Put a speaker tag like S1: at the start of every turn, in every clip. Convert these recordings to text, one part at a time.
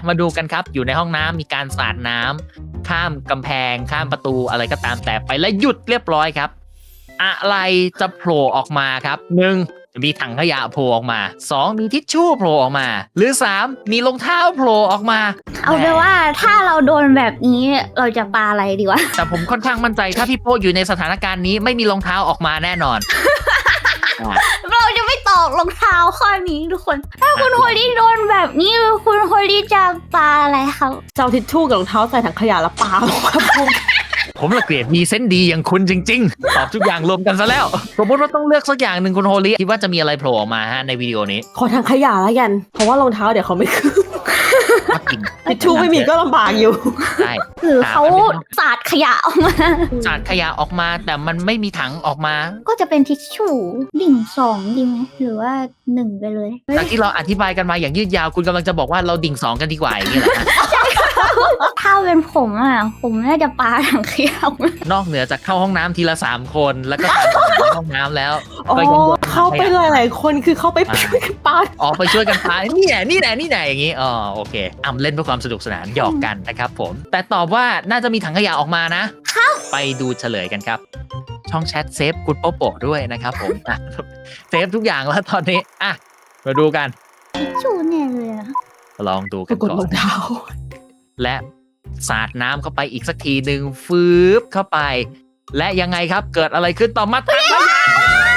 S1: มาดูกันครับอยู่ในห้องน้ำมีการสาดน้ำข้ามกำแพงข้ามประตูอะไรก็ตามแต่ไปและหยุดเรียบร้อยครับอะไรจะโผล่ออกมาครับ1มีถังขยะโผล่ออกมา2มีทิชชู่โผล่ออกมาหรือ3มีรองเท้าโผล่ออกมา
S2: เอาเป็นว่าถ้าเราโดนแบบนี้เราจะปาอะไรดีวะ
S1: แต่ผมค่อนข้างมั่นใจถ้าพี่โป้อยู่ในสถานการณ์นี้ไม่มีรองเท้าออกมาแน่นอน
S2: เราจะไม่ตอบรองเท้าข้อนี้ทุกคนถ้าคุณโฮลี่โดนแบบนี้คุณโฮลี่จะปาอะไรครับ
S3: เจ้าทิชชู่กับรองเท้าใส่ถังขยะแล้วปาลงครับผม
S1: ผมละเกลียดมีเซนส์ดีอย่างคุณจริงๆตอบทุกอย่างรวมกันซะแล้วสมมติว่าต้องเลือกสักอย่างหนึ่งคุณโฮลี่คิดว่าจะมีอะไรโผล่ออกมาฮะในวิดีโอนี้
S3: ขอถังขยะแล้วกันเพราะว่ารองเท้าเดี๋ยวเขาไม่ขึ้นทิชชู่ไม่มีก็ลำบากอยู่
S1: ใช่
S2: หรือเขาสาดขยะออกมา
S1: สาดขยะออกมาแต่มันไม่มีถังออกมา
S2: ก็จะเป็นทิชชู่ดิ่ง2ดีไหมหรือว่า1ไปเลย
S1: จากที่เราอธิบายกันมาอย่างยืดยาวคุณกำลังจะบอกว่าเราดิ่ง2กันดีกว่าอย่างนี้เหรอ
S2: ถ้าเป็นผมผมน่าจะปาถังขยะ
S1: นอกเหนือจากเข้าห้องน้ำทีละ3คนแล้วก็ในห้องน้ำแล้ว
S3: ก็ยังเข้าไปหลายๆคนคือเข้าไปช่วยกันปา
S1: ออกไปช่วยกันปานี่แหละอย่างนี้โอเคเล่นเพื่อความสนุกสนานหยอกกันนะครับผมแต่ตอบว่าน่าจะมีถังขยะออกมานะไปดูเฉลยกันครับช่องแชทเซฟคุณโป๊โปด้วยนะครับผมเซฟทุกอย่างแล้วตอนนี้มาดูกัน
S2: ทิชชู่แน่เลย
S1: ลองดูกันก่อน
S3: รองเท้า
S1: และสาดน้ำเข้าไปอีกสักทีหนึ่งฟืบเข้าไปและยังไงครับเกิดอะไรขึ้นต่อมาถังขยะ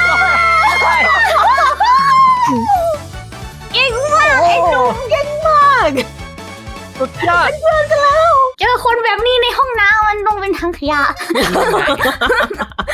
S2: เก่งมากไอ้หนุ่มเก่งมาก
S1: สุดยอด
S2: เจอคนแบบนี้ในห้องน้ำมันต้องเป็นถังขยะ